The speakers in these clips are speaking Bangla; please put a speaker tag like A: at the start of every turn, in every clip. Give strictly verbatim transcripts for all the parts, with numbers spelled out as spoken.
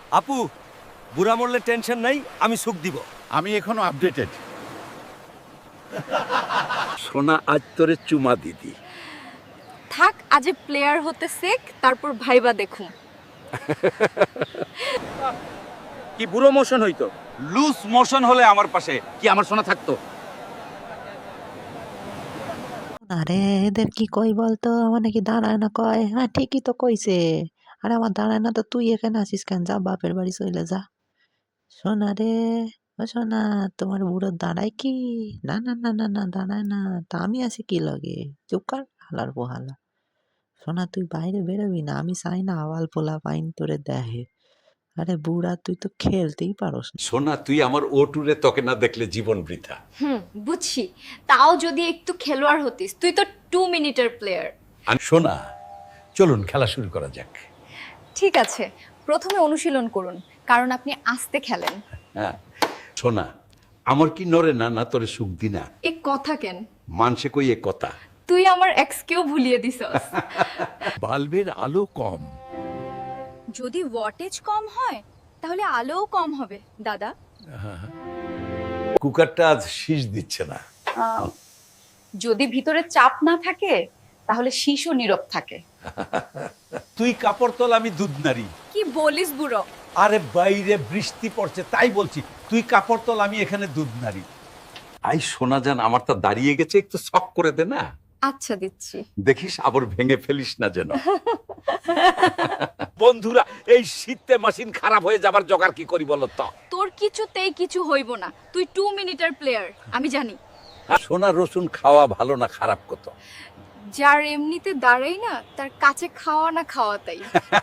A: আপু, বুড়া মরলে টেনশন নাই, আমি সুখ দিব।
B: আমি এখনো আপডেটেড।
C: সোনা আজ তোরে চুমা দিদি।
D: থাক, আজে প্লেয়ার হতে শেখ, তারপর ভাইবা দেখুম।
C: কি বুড়ো মোশন হইতো, লুজ মোশন হলে আমার পাশে কি আমার সোনা থাকতো?
E: আরে এদের কি কই বলতো, আমার নাকি দাঁড়ায় না কয়। হ্যাঁ ঠিকই তো কইছে। আরে আমার দাঁড়ায় না তো তুই এখানে আসিস কেন? যা বাপের বাড়ি চলে যা। শোনা রে, ও শোনা, তোমার বুড়ো দাঁড়ায় কি? না না না না না দাঁড়ায় না, তা আমি আছি কি লগে? চুপ কর হালার পোহালা। শোনা তুই বাইরে বেরোবি না, আমি চাই না আওয়াল পোলা পাইন তোরে দেহে। আরে বুড়া তুই তো খেলতেই পারস না।
B: সোনা তুই আমার ও টুরে তোকে না দেখলে জীবন বৃথা।
D: হুম, বুঝছি। তাও যদি একটু খেলোয়াড় হতিস, তুই তো টু মিনিটের প্লেয়ার।
B: আর সোনা, চলুন খেলা শুরু করা যাক।
D: ঠিক আছে, প্রথমে অনুশীলন করুন, কারণ আপনি আস্তে খেলেন।
B: হ্যাঁ সোনা, আমার কি নরে না না তোরে সুখ দি না?
D: এ কথা কেন?
B: মানসে কই এ কথা।
D: তুই আমার এক্সকেও ভুলিয়ে দিছস।
B: বাল্বের আলো কম।
D: যদি ওয়াটেজ কম হয় তাহলে আলোও কম হবে দাদা।
B: কুকারটা আজ শীষ দিচ্ছে না।
D: যদি ভিতরে চাপ না থাকে তাহলে শিশু নীরব থাকে।
B: তুই কাপড় তোল, আমি দুধ নারী।
D: কি বলিস বুড়ো?
B: আরে বাইরে বৃষ্টি পড়ছে তাই বলছি, তুই কাপড় তোল, আমি এখানে দুধ নারী। আই সোনা জান, আমার তা দাঁড়িয়ে গেছে, একটু শক করে দে না।
D: আচ্ছা দিচ্ছি।
B: দেখিস আবার ভেঙে ফেলিস না যেন। বন্ধুরা, এই শীতে মেশিন খারাপ হয়ে যাবার জোগাড় কি করি বলো তো?
D: তোর কিছুতেই কিছু হইব না, তুই টু মিনিটের প্লেয়ার, আমি জানি।
B: সোনা রসুন খাওয়া ভালো না খারাপ কত?
D: যার এমনিতে দাঁড়াই না তার কাছে খাওয়া না খাওয়া তাই।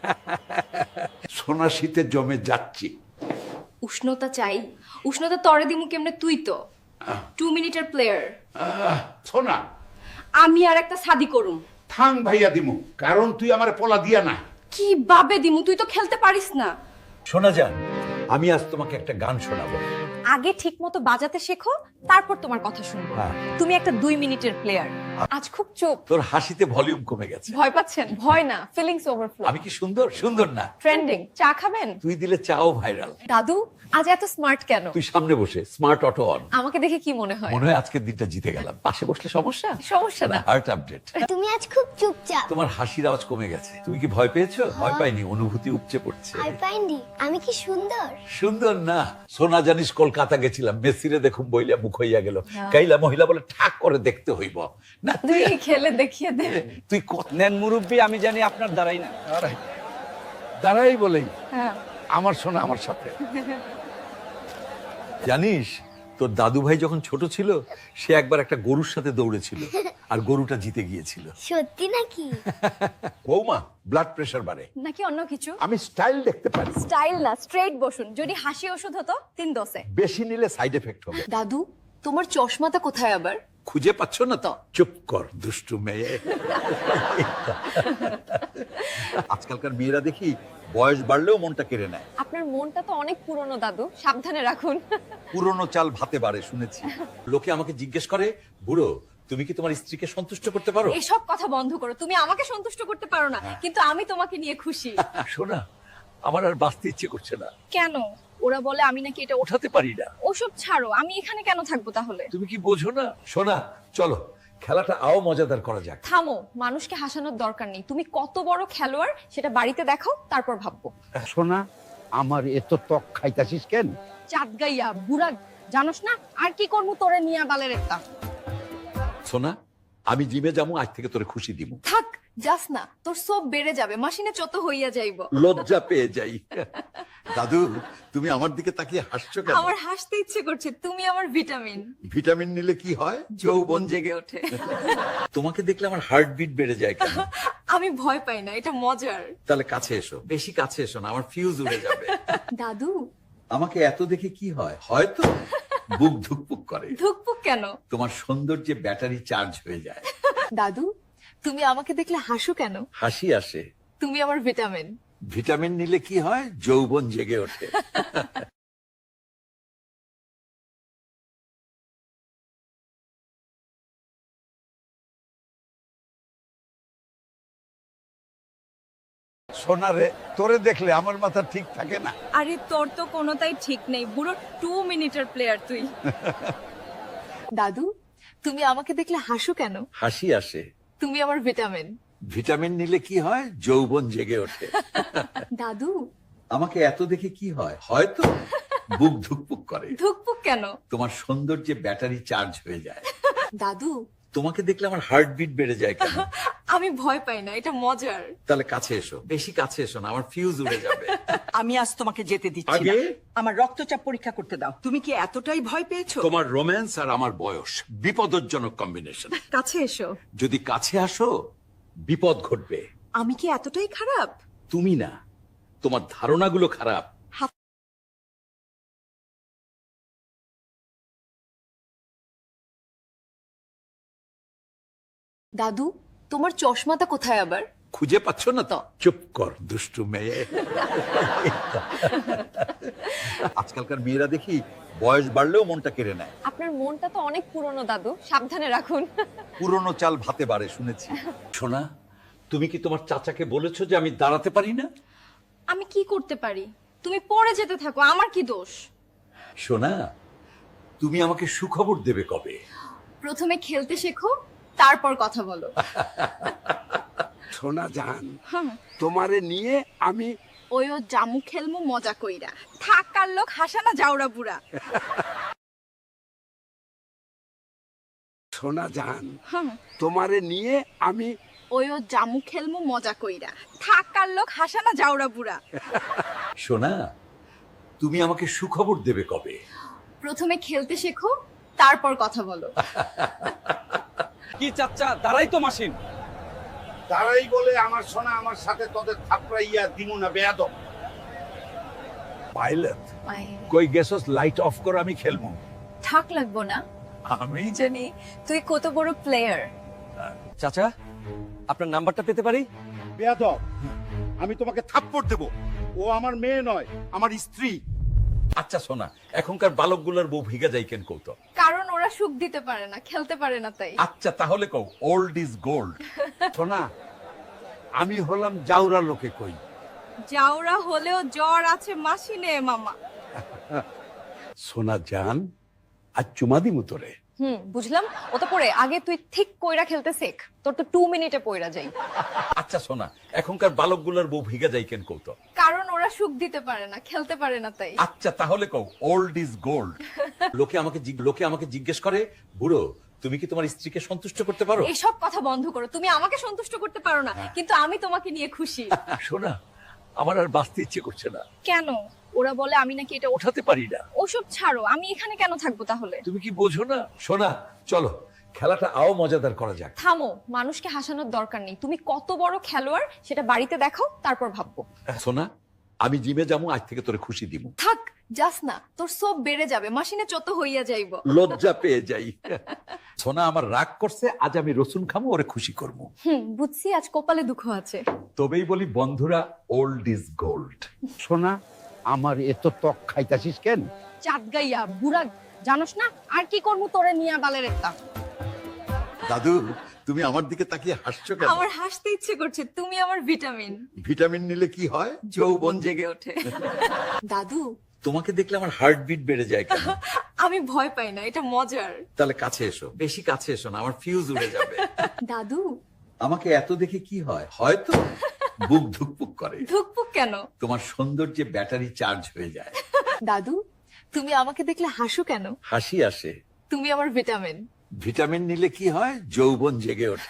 B: সোনা শীতে জমে যাচ্ছি।
D: উষ্ণতা চাই, উষ্ণতা তরে দিমু কেমনে? তুই তো টু মিনিটের প্লেয়ার।
B: আহ, সোনা
D: আমি আর একটা শাদি করুম।
B: থাং ভাইয়া দিমু, কারণ তুই আমার পোলা দিয়া না।
D: কি বাবে দিমু? তুই তো খেলতে পারিস না।
B: সোনা জান, আমি আজ তোমাকে একটা গান শোনাবো।
D: আগে ঠিক মতো বাজাতে শেখো, তারপর তোমার কথা শুনবো।
B: হ্যাঁ।
D: তুমি একটা দুই মিনিটের প্লেয়ার। আজ খুব চুপ।
B: তোর হাসিতে ভলিউম কমে গেছে।
D: ভয় পাচ্ছেন? ভয় না, ফিলিংস ওভারফ্লো।
B: আমি কি সুন্দর? সুন্দর না?
D: ট্রেন্ডিং। চা খাবেন?
B: তুই দিলে চাও ভাইরাল।
D: দাদু আজ এত স্মার্ট কেন?
B: তুই সামনে বসে, স্মার্ট অটো অন।
D: আমাকে দেখে কি মনে হয়?
B: মনে হয় আজকের দিনটা জিতে গেলাম। পাশে বসলে সমস্যা?
D: সমস্যা না।
B: Heart update.
F: তুমি আজ খুব চুপচাপ।
B: তোমার হাসির আওয়াজ কমে গেছে। তুমি কি ভয় পেয়েছো? ভয় পাইনি, অনুভূতি উপচে পড়ছে।
F: ভয় পাইনি, আমি কি সুন্দর?
B: সুন্দর না? সোনা জানিস কলকাতা গেছিলাম, মেসিরে দেখুম বইলা মুখ হইয়া গেল। কাইলা মহিলা বলে ঠাক করে দেখতে হইব না।
D: তুই খেলে দেখিয়ে দে।
B: তুই কত
A: নেন মুরব্বী, আমি জানি আপনার দ্বারাই না।
B: দাঁড়াই বলেই
D: হ্যাঁ।
B: আমার সোনা আমার সাথে। জানিস তোর দাদু ভাই যখন ছোট ছিল, সে একবার একটা গরুর সাথে দৌড়েছিল আর গরুটা জিতে গিয়েছিল।
F: সত্যি নাকি?
B: বৌমা, ব্লাড প্রেশার বাড়ে।
D: নাকি অন্য কিছু?
B: আমি স্টাইল দেখতে পারি।
D: স্টাইল না, স্ট্রেট বসুন। যদি হাসি ওষুধ হতো তিন দশে।
B: বেশি নিলে সাইড এফেক্ট হবে।
D: দাদু তোমার চশমাটা কোথায় আবার?
B: খুঁজে পাচ্ছ না তো? চুপ কর দুষ্টু মেয়ে। আজকালকার মেয়েরা দেখি বয়স বাড়লেও মনটা কেড়ে নেয়।
D: আপনার মনটা তো অনেক পুরনো দাদু, সাবধানে রাখুন।
B: পুরনো চাল ভাতে বাড়ে শুনেছি। লোকে আমাকে জিজ্ঞেস করে, বুড়ো তুমি কি তোমার স্ত্রীকে সন্তুষ্ট করতে পারো?
D: এসব কথা বন্ধ করো। তুমি আমাকে সন্তুষ্ট করতে পারো না, কিন্তু আমি তোমাকে নিয়ে খুশি।
B: শোনা, আমার আর বাঁচতে ইচ্ছে করছে না।
D: কেন? ওরা বলে আমি নাকি এটা ওঠা।
B: ওঠাতে পারি না।
D: ওসব ছাড়ো, আমি এখানে কেন থাকবো তাহলে?
B: তুমি কি বোঝো না? শোনা, চলো খেলাটা আও মজাদার করা যাক।
D: থামো, মানুষকে হাসানোর দরকার নেই। তুমি কত বড় খেলোয়াড় সেটা বাড়িতে দেখাও, তারপর ভাববো।
C: সোনা, আমার এত ত্বক খাইতাছিস কেন?
D: চাঁদ গাইয়া বুড়া, জানোস না আর কি করবো তোরে নিয়া বালের একটা।
B: সোনা, আমি জিমে যাবো, আজ থেকে তোরে খুশি দিব।
D: থাক, যাস না, তোর সব বেড়ে যাবে, মাসিনে চত হইয়া যাইব।
B: লজ্জা পেয়ে যাই। দাদু, তুমি আমার দিকে তাকিয়ে হাসছো কেন?
D: আমার হাসতে ইচ্ছে করছে, তুমি আমার ভিটামিন।
B: ভিটামিন নিলে কি হয়? যৌবন জেগে
D: ওঠে।
B: তোমাকে দেখলে আমার হার্টবিট বেড়ে যায় কেন?
D: আমি ভয় পাই না, এটা মজার।
B: তাহলে কাছে এসো, বেশি কাছে এসো না, আমার ফিউজ উড়ে যাবে।
D: দাদু
B: আমাকে এত দেখে কি হয়? হয়তো বুক ধুকপুক করে।
D: ধুকপুক কেন?
B: তোমার সৌন্দর্যে ব্যাটারি চার্জ হয়ে যায়।
D: দাদু তুমি আমাকে দেখলে হাসো কেন?
B: হাসি আসে।
D: তুমি আমার ভিটামিন।
B: ভিটামিন নিলে কি হয়? যৌবন জেগে ওঠে। সোনারে তোরে দেখলে আমার মাথা ঠিক থাকে না।
G: আরে তোর তো কোনোটাই ঠিক নেই, বুড়ো টু মিনিটের প্লেয়ার তুই। দাদু, তুমি আমাকে দেখলে হাসো কেন?
B: হাসি আসে।
G: তুমি আমার ভিটামিন।
B: ভিটামিন নিলে কি হয়? যৌবন জেগে ওঠে।
G: দাদু,
B: আমাকে এত দেখে কি হয়? হয়তো বুক ধুকপুক করে।
G: ধুকপুক কেন?
B: তোমার সৌন্দর্যে ব্যাটারি চার্জ হয়ে যায়।
G: দাদু,
B: তোমাকে দেখলে আমার হার্টবিট বেড়ে যায় কেন?
G: আমি ভয় পাই না, এটা মজার।
B: তাহলে কাছে এসো, বেশি কাছে এসো না, আমার ফিউজ উড়ে যাবে।
H: আমি আজ তোমাকে যেতে দিচ্ছি না।
B: আগে?
H: আমার রক্তচাপ পরীক্ষা করতে দাও। তুমি কি এতটাই ভয় পেয়েছো?
B: তোমার রোম্যান্স আর আমার বয়স বিপদজনক কম্বিনেশন।
G: কাছে এসো।
B: যদি কাছে আসো বিপদ ঘটবে।
G: আমি কি এতটাই খারাপ?
B: তুমি না, তোমার ধারণাগুলো খারাপ।
G: দাদু, তোমার চশমাটা কোথায় আবার?
B: খুঁজে পাচ্ছ না তো? চুপ কর দুষ্টু মেয়ে। আজকালকার মেয়েরা দেখি বয়স বাড়লেও মনটা কেড়ে নেয়।
G: আপনার মনটা তো অনেক পুরনো দাদু, সাবধানে রাখুন।
B: পুরনো চাল ভাতে বাড়ে শুনেছি। সোনা, তুমি কি তোমার চাচাকে বলেছো যে আমি দাঁড়াতে পারি না?
D: আমি কি করতে পারি? তুমি পড়ে যেতে থাকো, আমার কি দোষ?
B: সোনা, তুমি আমাকে সুখবর দেবে কবে?
D: প্রথমে খেলতে শেখো, তারপর কথা বলো।
I: সোনা জান, তোমারে নিয়ে আমি
G: ওই ও জামু খেলমু মজা কইরা। থাকার লোক হাসানা যাওরা বুড়া।
I: সোনা জান, তোমারে নিয়ে আমি
G: ওই ও জামু খেলমু মজা কইরা। থাকার লোক হাসানা যাওরা বুড়া।
B: সোনা, তুমি আমাকে সুখবর দেবে কবে?
D: প্রথমে খেলতে শেখো, তারপর কথা বলো।
A: কি চাচ্চা, দাঁড়াই তো মাসিন।
I: তারাই বলে আমার সোনা আমার সাথে তোদের থাপড়াইয়া দিমু না বেয়াদব।
B: পাইলট, কই গেছস? লাইট অফ কর, আমি খেলবো।
G: থাক লাগবো না,
B: আমি
G: জানি তুই কত বড় প্লেয়ার।
A: চাচা, আপনার নাম্বারটা পেতে পারি?
I: বেয়াদব, আমি তোমাকে থাপ্পড় দেব। ও আমার মেয়ে নয়, আমার স্ত্রী।
B: আচ্ছা সোনা, এখনকার বালকগুলোর বউ ভিগা যাই কেন কৌতো?
D: কারণ ওরা সুখ দিতে পারে না, খেলতে পারে না তাই।
B: আচ্ছা তাহলে কও ওল্ড ইজ গোল্ড।
I: সোনা, আমি হলাম জাউরা লোকে কই।
G: যাওরা হলেও জ্বর আছে মাসিনে মামা।
I: সোনা জান, আজ চুমা দিমু তোরে।
D: হুম, বুঝলাম। ও তো পড়ে আগে তুই ঠিক কইরা খেলতে শেখ, তোর তো টু মিনিটে পইরা যাই।
B: আচ্ছা সোনা, এখনকার বালকগুলোর বউ ভিগা যাই কেন কৌতো?
D: কারণ ওরা সুখ দিতে পারে না, খেলতে পারে না তাই।
B: আচ্ছা তাহলে কও ওল্ড ইজ গোল্ড। লোকে আমাকে জিগ- লোকে আমাকে জিজ্ঞেস করে, বুড়ো তুমি কি তোমার স্ত্রীকে সন্তুষ্ট করতে পারো?
D: এসব কথা বন্ধ করো। তুমি আমাকে সন্তুষ্ট করতে পারো না, কিন্তু আমি তোমাকে নিয়ে খুশি।
B: সোনা, আমার আর বাঁচতে ইচ্ছে করছে না।
D: কেন? ওরা বলে আমি নাকি এটা ওঠা।
B: ওঠাতে পারি না।
D: ওসব ছাড়ো, আমি এখানে কেন থাকবো তাহলে?
B: তুমি কি বোঝো না? সোনা চলো খেলাটা আও মজাদার করা যাক।
D: থামো, মানুষকে হাসানোর দরকার নেই। তুমি কত বড় খেলোয়াড় সেটা বাড়িতে দেখাও, তারপর ভাববো।
B: সোনা, আমি জিমে যাবো, আজ থেকে তোরে খুশি দিব।
D: থাক, যাস না, তোর সব বেড়ে যাবে, মাসিনে চত হইয়া যাইব।
B: লজ্জা পেয়ে যাই। সোনা আমার রাগ করছে, আজ আমি রসুন খামো, ওরে খুশি করবো।
D: হুম, বুঝছি আজ কপালে দুঃখ আছে।
B: তবেই বলি বন্ধুরা, ওল্ড ইজ গোল্ড।
I: সোনা, আমার এত ত্বক খাইতাছিস কেন?
D: চাঁদ গাইয়া বুড়া, জানোস না আর কি করবো তোরে নিয়া বালের একটা।
B: দাদু, তুমি আমার দিকে তাকিয়ে হাসছো কেন?
D: আমার হাসতে ইচ্ছে করছে, তুমি আমার ভিটামিন।
B: ভিটামিন নিলে কি হয়? যৌবন জেগে
D: ওঠে। দাদু,
B: তোমাকে দেখলে আমার হার্টবিট বেড়ে যায় কেন?
D: আমি ভয় পাই না, এটা মজার।
B: তাহলে কাছে এসো, বেশি কাছে এসো না, আমার ফিউজ উড়ে যাবে।
D: দাদু,
B: আমাকে এত দেখে কি হয়? হয়তো বুক ধুকপুক করে।
D: ধুকপুক কেন?
B: তোমার সৌন্দর্যে ব্যাটারি চার্জ হয়ে যায়।
G: দাদু, তুমি আমাকে দেখলে হাসো কেন?
B: হাসি আসে।
G: তুমি আমার ভিটামিন।
B: ভিটামিন নিলে কি হয়? যৌবন জেগে ওঠে।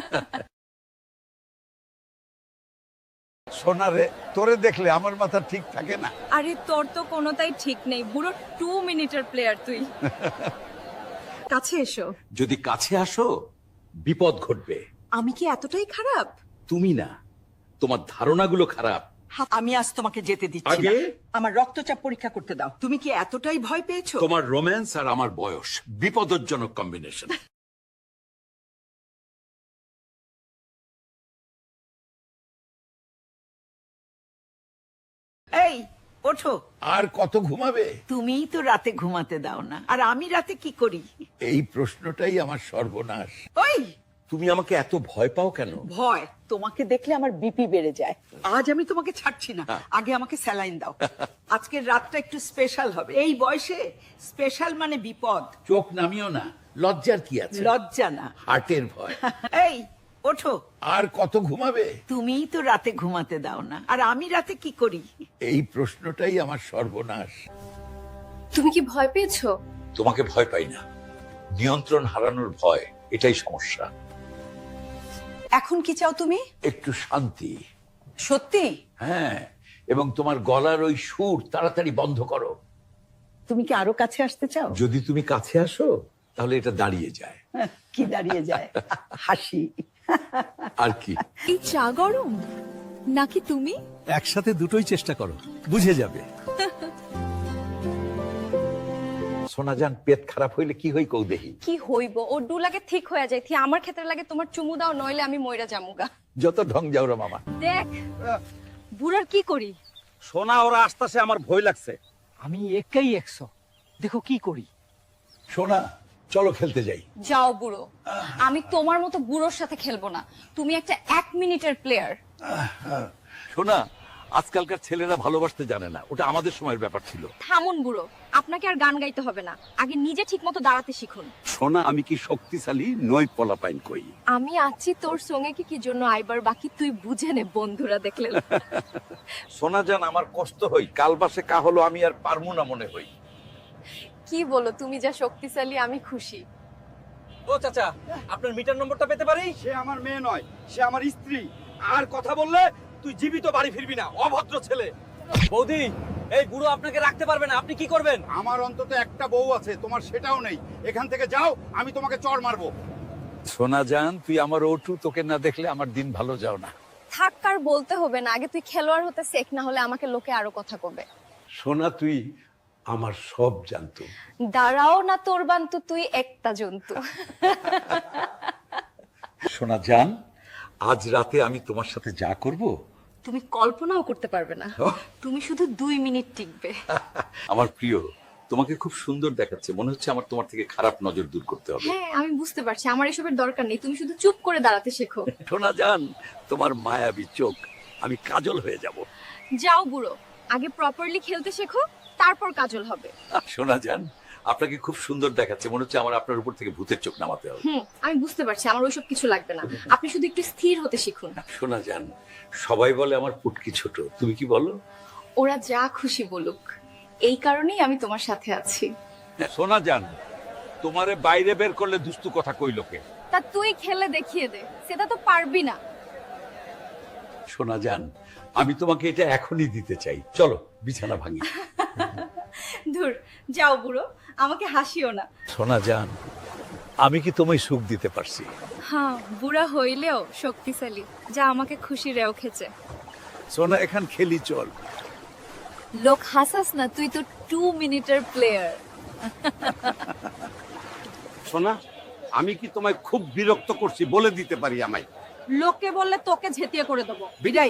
B: সোনারে, তোরে দেখলে আমার মাথা ঠিক থাকে না।
G: আরে তোর তো কোনোটাই ঠিক নেই, বুড়ো টু মিনিটের প্লেয়ার তুই। কাছে এসো।
B: যদি কাছে আসো বিপদ ঘটবে।
G: আমি কি এতটাই খারাপ?
B: তুমি না, তোমার ধারণাগুলো খারাপ।
H: আমি আজ তোমাকে যেতে দিচ্ছি না।
B: আগে?
H: আমার রক্তচাপ পরীক্ষা করতে দাও। তুমি কি এতটাই ভয় পেয়েছো?
B: তোমার রোম্যান্স আর আমার বয়স বিপদজনক কম্বিনেশন।
H: এই ওঠো।
B: আর কত ঘুমাবে?
H: তুমিই তো রাতে ঘুমাতে দাও না, আর আমি রাতে কি করি?
B: এই প্রশ্নটাই আমার সর্বনাশ।
H: ওই
B: তুমি আমাকে এত ভয় পাও কেন?
H: ভয় তোমাকে দেখলে আমার বিপি বেড়ে যায়। আজ আমি তোমাকে ছাড়ছি না, আগে আমাকে স্যালাইন দাও। আজকের রাতটা একটু স্পেশাল হবে। এই বয়সে স্পেশাল মানে বিপদ।
B: চোখ নামিও না, লজ্জার কি আছে?
H: লজ্জা না,
B: হার্টের ভয়।
H: এই ওঠো।
B: আর কত ঘুমাবে?
H: তুমিই তো রাতে ঘুমাতে দাও না, আর আমি রাতে কি করি?
B: এই প্রশ্নটাই আমার সর্বনাশ।
D: তুমি কি ভয় পেয়েছো?
B: তোমাকে ভয় পাই না, নিয়ন্ত্রণ হারানোর ভয়, এটাই সমস্যা।
H: এখন কি চাও তুমি?
B: একটু শান্তি।
H: সত্যি?
B: হ্যাঁ, এবং তোমার গলার ওই সুর তাড়াতাড়ি বন্ধ করো।
H: তুমি কি আরো কাছে আসতে চাও?
B: যদি তুমি কাছে আসো তাহলে এটা দাঁড়িয়ে যায়।
H: কি দাঁড়িয়ে যায়? হাসি।
B: আর কি?
G: এই চা গরম নাকি তুমি?
A: একসাথে দুটোই চেষ্টা করো, বুঝে যাবে।
B: সোনাজান, পেট খারাপ হইলে কি হই কৌ দেহি?
D: কি হইব, ও ডু লাগে ঠিক হয়ে যায়, থি আমার ক্ষেত্রে লাগে তোমার চুমু দাও, নইলে আমি মইরা জামুগা।
B: যত ঢং যাও রে মামা।
D: দেখ বুড়ার কি করি।
C: সোনা, ওরা আসতেছে, আমার ভয় লাগছে।
A: আমি একাই একশো, দেখো কি করি।
B: সোনা, চলো খেলতে যাই।
D: যাও বুড়ো, আমি তোমার মতো বুড়োর সাথে খেলবো না। তুমি একটা এক মিনিটের প্লেয়ার।
B: সোনা, আজকালকার ছেলেরা ভালোবাসতে জানে না, ওটা আমাদের সময়ের ব্যাপার ছিল।
D: থামুন বুড়ো, আপনাকে আর গান গাইতে হবে না, আগে নিজে ঠিক মতো দাঁড়াতে শিখুন।
B: সোনা, আমি কি শক্তিশালী নই? পলাপাইন কই।
D: আমি আছি তোর সঙ্গে, কি কি জন্য আইবার বাকি তুই বুঝে নে, বন্ধুরা দেখলে।
B: সোনাজান, আমার কষ্ট হই, কাল বাসে কা হলো আমি আর পারমু না মনে হই।
D: কি বলো, তুমি যা শক্তিশালী আমি খুশি।
A: ও চাচা, আপনার মিটার নম্বরটা পেতে পারি?
C: সে আমার মেয়ে নয়, সে আমার স্ত্রী। আর কথা বললে তুই জীবিত বাড়ি ফিরবি না, অভদ্র ছেলে।
A: বৌদি, এই বুড়ো আপনাকে রাখতে পারবে না, আপনি কি করবেন?
I: আমার অন্তত একটা বউ আছে, তোমার সেটাও নেই। এখান থেকে যাও, আমি তোমাকে চড় মারবো।
B: সোনাজান, তুই আমার ওটু, তোকে না দেখলে আমার দিন ভালো যাও না।
D: থাক, আর বলতে হবে না, আগে তুই খেলোয়াড় হতে শেখ, না হলে আমাকে লোকে আরো কথা কবে।
B: সোনা, তুই আমার সব জানতো।
D: দাঁড়াও না তোর বান্তু, তুই একটা জন্তু।
B: সোনাজান, আজ রাতে আমি তোমার সাথে যা করব
D: তুমি কল্পনাও করতে পারবে না। তুমি শুধু দুই মিনিট টিকবে।
B: আমার প্রিয়, তোমাকে খুব সুন্দর দেখাচ্ছে, মনে হচ্ছে আমার তোমার থেকে খারাপ নজর দূর করতে হবে।
D: হ্যাঁ, আমি বুঝতে পারছি, আমার এসবের দরকার নেই, তুমি শুধু চুপ করে দাঁড়াতে শেখো।
B: সোনাজান, তোমার মায়াবী চোখ, আমি কাজল হয়ে যাব।
D: যাও বুড়ো, আগে প্রপারলি খেলতে শেখো, তারপর কাজল হবে।
B: সোনাজান, আপনাকে খুব সুন্দর দেখাচ্ছে, মনে হচ্ছে আমার আপনার উপর থেকে ভূতের চোখ নামাতে হবে।
D: হুম, আমি বুঝতে পারছি, আমার ওইসব কিছু লাগবে না, আপনি শুধু একটু স্থির হতে শিখুন।
B: সোনাজান, সবাই বলে আমার পুটকি ছোট, তুমি কি বলো?
D: ওরা যা খুশি বলুক, এই কারণেই আমি তোমার সাথে আছি।
B: সোনাজান, তোমারে বাইরে বের করলে দুস্তু কথা কই লোকে।
D: তা তুই খেলে দেখিয়ে দে, সেটা তো পারবি না।
B: সোনাজান, আমি তোমাকে এটা এখনই দিতে চাই, চলো বিছানা ভাঙি।
D: ধুর, যাও বুড়ো, আমাকে হাসিও না।
B: সোনাজান, আমি কি তোমায় সুখ দিতে পারছি?
D: হ্যাঁ, বুড়া হইলেও শক্তিশালী, যা আমাকে খুশি রেও খেছে।
B: সোনা, এখান খেলি চল।
G: লোক হাসাস না, তুই তো টু মিনিটের প্লেয়ার।
C: সোনা, আমি কি তোমায় খুব বিরক্ত করছি বলে দিতে পারি আমায়?
G: লোকে বললে তোকে ঝেঁটিয়ে করে দেবো।
C: বিদায়।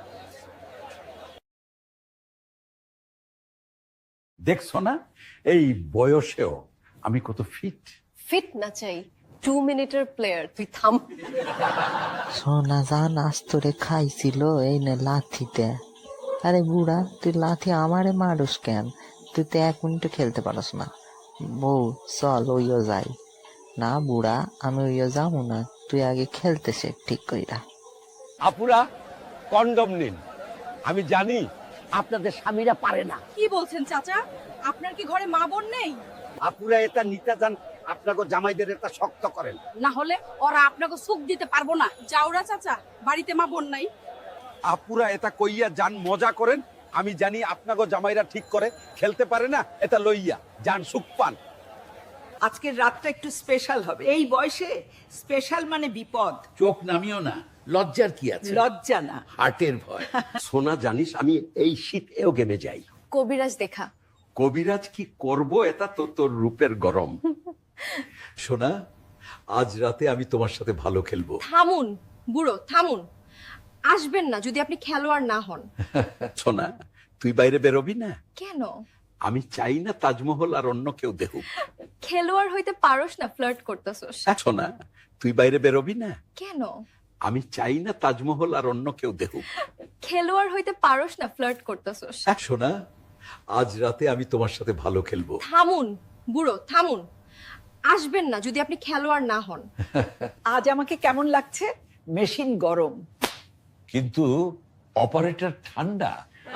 B: দেখছো না, এই বয়সেও আমি কত ফিট।
D: ফিট না চাই, টু মিনিটের প্লেয়ার, তুই থাম।
E: সোনা জান আজ তোরে খাইছিল এই নে লাথিতে। আরে বুড়া, তুই লাথি আমারে মারুস কেন? তুই তো এক মিনিটও খেলতে পারস না। বউ, চল ওইও যাই। না বুড়া, আমি ওইও যাবো না, তুই আগে খেলতে শেখ ঠিক কইরা।
C: আপুরা, কন্ডম নিন। আমি জানি আপনাদের স্বামীরা পারে না।
G: কি বলছেন চাচা? আপনার কি ঘরে মা বোন নেই?
C: আপুরা এটা নিতে যান, আপনাকে জামাইদের এটা শক্ত করেন।
G: না হলে ওরা আপনাকে সুখ দিতে পারবো না। যাওরা চাচা, বাড়িতে মা বোন নাই।
C: আপুরা এটা কইয়া যান, মজা করেন। আমি জানি আপনাকে জামাইরা ঠিক করে খেলতে পারে না, এটা লইয়া যান, সুখ পান।
H: আজকের রাতটা একটু স্পেশাল হবে। এই বয়সে স্পেশাল মানে বিপদ।
B: চোখ নামিও না, লজ্জার কি আছে?
H: লজ্জা না,
B: হার্টের ভয়।
C: সোনা, জানিস আমি এই শীতেও গেমে যাই।
D: কবিরাজ দেখা।
B: কবিরাজ কি করব, এটা তো তোর রূপের গরম। সোনা, আজ রাতে আমি তোমার সাথে ভালো খেলবো।
D: থামুন বুড়ো, থামুন। আসবেন না যদি আপনি খেলোয়াড় না হন।
B: সোনা, তুই বাইরে বেরোবি না?
D: কেন?
B: আমি চাই না তাজমহল আর অন্য কেউ দেখুক।
D: খেলোয়াড় হইতে পারোস না, ফ্লার্ট করতেছস।
B: সোনা, তুই বাইরে বেরোবি না?
D: কেন?
B: আমি চাই না তাজমহল আর অন্য কেউ দেখুক।
D: খেলোয়াড় হইতে পারোস না, ফ্লার্ট করতেছস।
B: শোনা, আজ রাতে আমি তোমার সাথে ভালো খেলবো।
D: থামুন বুড়ো, থামুন। আসবেন না যদি আপনি খেলোয়াড় না হন।
H: আজ আমাকে কেমন লাগছে? মেশিন গরম,
B: কিন্তু অপারেটর ঠান্ডা।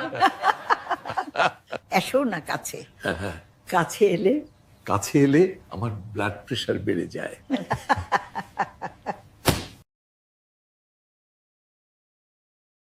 H: এসো না কাছে। কাছে এলে
B: কাছে এলে আমার ব্লাড প্রেশার বেড়ে যায়।